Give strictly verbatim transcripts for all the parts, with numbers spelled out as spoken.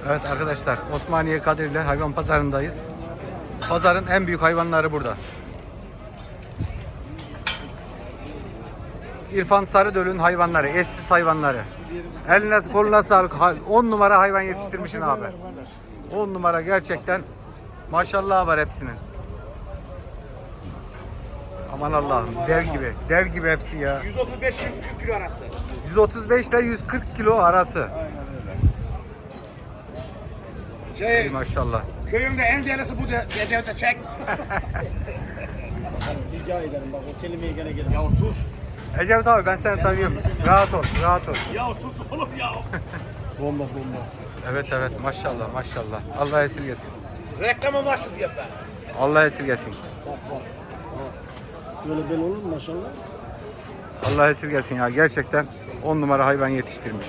Evet arkadaşlar, Osmaniye Kadirli hayvan pazarındayız. Pazarın en büyük hayvanları burada. İrfan Sarıdöl'ün hayvanları, eşsiz hayvanları. Eline koluna sağlık. on numara hayvan yetiştirmişsin abi. on numara gerçekten. Maşallah var hepsinin. Aman Allah'ım, dev gibi. Dev gibi hepsi ya. yüz otuz beş yüz kırk kilo arası. yüz otuz beş ile yüz kırk kilo arası. Aynen öyle. Şey, maşallah. köyümde en değerlisi bu de, Ecevit'e çek. Rica ederim bak o kelimeyi gene gene. Ya sus. Ecevit abi, ben seni tanıyorum. Rahat ol, rahat ol. Ya sus oğlum ya. Bomba bomba. Evet evet, maşallah maşallah. Allah esirgesin. Reklama başladı ya ben. Allah esirgesin. Bak bak. Böyle bel olur mu maşallah? Allah esirgesin ya, gerçekten on numara hayvan yetiştirmiş.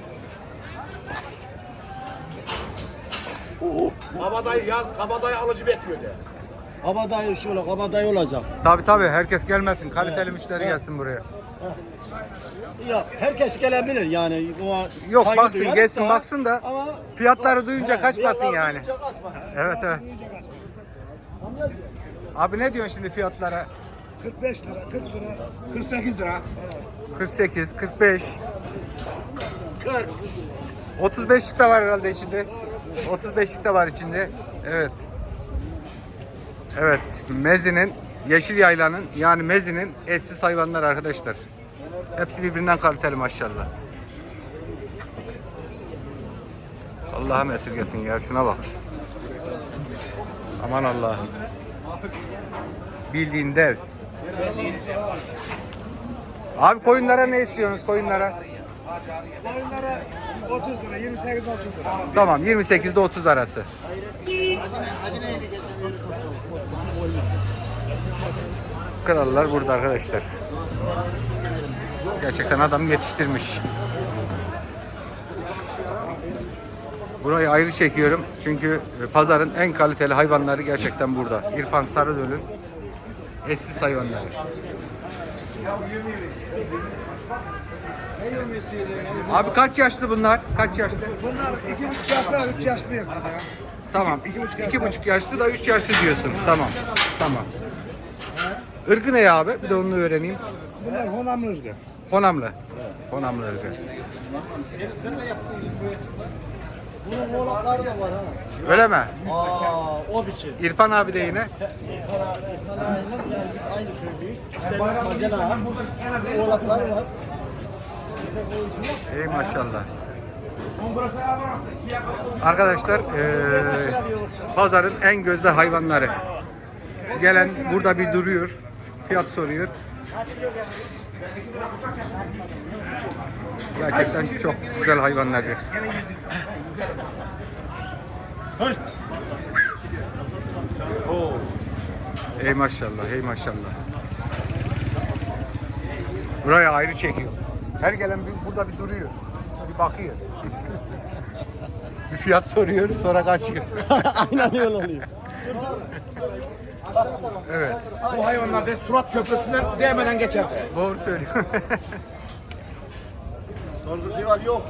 Kabadayı yaz, kabadayı alıcı bekliyor de. Kabadayı şöyle kabadayı olacak. Tabi tabi, herkes gelmesin. Kaliteli müşteri evet. gelsin buraya. Ya herkes gelebilir yani. O Yok, saygı baksın, duyarız gelsin da, baksın da ama fiyatları duyunca He, kaçmasın fiyatları yani. duyunca kaçmasın. Evet evet. Anlıyor musun? Abi ne diyorsun şimdi fiyatlara? kırk beş lira, kırk lira, kırk sekiz lira. kırk sekiz, kırk beş. kırk. otuz beşlik de var herhalde içinde. otuz beşlik de var içinde. Evet. Evet, Mezi'nin, Yeşil Yayla'nın, yani Mezi'nin eşsiz hayvanlar arkadaşlar. Hepsi birbirinden kaliteli maşallah. Allah'ım esirgesin ya, şuna bak. Aman Allah'ım. Bildiğin dev. Abi koyunlara ne istiyorsunuz, koyunlara? Boyunlara otuz lira, yirmi sekiz otuz lira. Tamam, yirmi sekiz ile otuz arası. Krallar burada arkadaşlar. Gerçekten adam yetiştirmiş. Burayı ayrı çekiyorum çünkü pazarın en kaliteli hayvanları gerçekten burada. İrfan Sarıdöl'ün eşsiz hayvanları. Abi kaç yaşlı bunlar? Kaç yaşlı? Bunlar iki buçuk yaşlı, üç yaşlı biz ya. Tamam. İki buçuk İki buçuk yaşlı da üç yaşlı diyorsun. Tamam. Tamam. Irkı ne ya abi? Bir de onu öğreneyim. Bunlar honamlı ırgı. Honamlı. Honamlı ırkı. Bunun oğlakları da var ha. Öyle mi? Aa o biçim. İrfan abi de yine. İrfana, İrfana aynı, yani aynı köy büyük. Çiftlerin macera. Oğlakları var. Ey maşallah. Arkadaşlar eee, pazarın en gözde hayvanları. Gelen burada bir duruyor. Fiyat soruyor. Gerçekten çok güzel hayvanlar. Ey maşallah, ey maşallah. Buraya ayrı çekiyor. Her gelen bir, burada bir duruyor. Bir bakıyor. Bir fiyat soruyor, sonra kaçıyor. Aynen öyle oluyor. Evet, Bu hayvanlar da Surat Köprüsü'nden değmeden geçer. doğru söylüyor. Sorgusu var yok.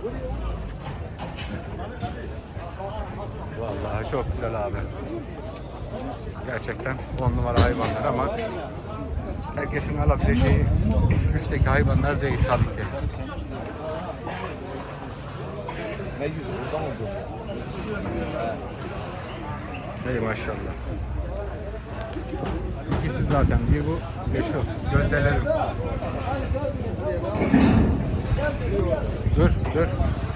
Vallahi çok güzel abi. Gerçekten on numara hayvanlar ama herkesin alabileceği güçteki hayvanlar değil tabii ki. Ne yüzü buradan oldu? Ey maşallah. İkisi zaten, bir bu, bir şu. Gözdelerim. Dur, dur.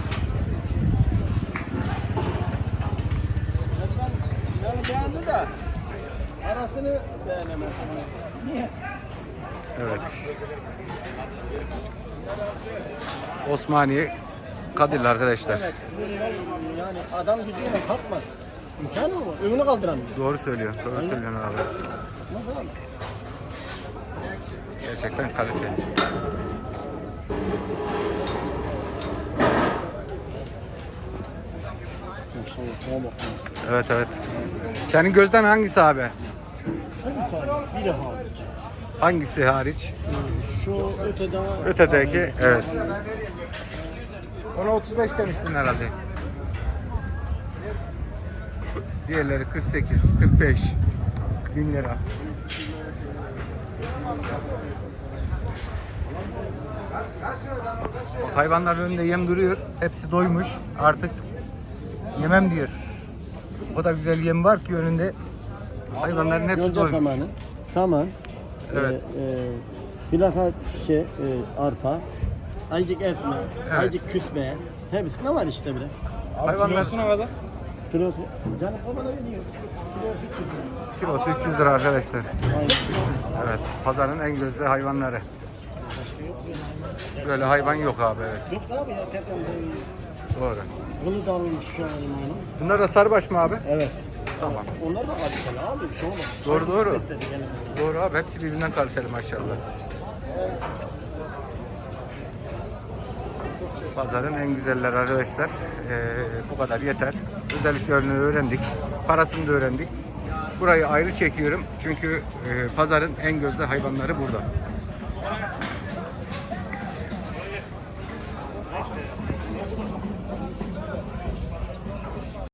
Yani beğendi de arasını beğenemez. Niye? Evet. Osmaniye Kadirli arkadaşlar. Evet. Yani adam gücüyle kalkmaz. İmkanı mı? Önünü kaldıramıyor. Doğru söylüyor. Doğru söylüyorsun abi. Nasıl? Gerçekten kaliteli. Evet evet. Senin gözden hangisi abi? Hadi saniye. Bir daha. Hangisi hariç? Şu öteden... Ötedeki, evet. Ona otuz beş demiştin herhalde. Diğerleri kırk sekiz, kırk beş bin lira. Bak, hayvanların önünde yem duruyor. Hepsi doymuş. Artık yemem diyor. O da güzel yem var ki önünde. Hayvanların hepsi Yonca doymuş. samanı, saman, Evet. e, e, plaka şey, e, arpa, aycık etme, Evet. aycık küsme, hepsi ne var işte bile. Hayvanlar kadar? Kilosu, canım o bana veriyor. Kilosu üç yüz lira. kilosu üç yüz lira arkadaşlar. Aynen. Evet, pazarın en gözde hayvanları. Böyle hayvan yok abi, evet. Yok abi ya tertemiz. Doğru. Bunu da almış şu an limanı. Bunlar da sarıbaş mı abi? Evet. Tamam. Onlar da kaliteli abi, bir şey olmaz. Doğru, doğru. Besledi gene. Doğru abi, hepsi birbirinden kaliteli maşallah. Pazarın en güzeller arkadaşlar. Ee, bu kadar yeter. Özelliklerini öğrendik. Parasını da öğrendik. Burayı ayrı çekiyorum. Çünkü e, pazarın en gözde hayvanları burada.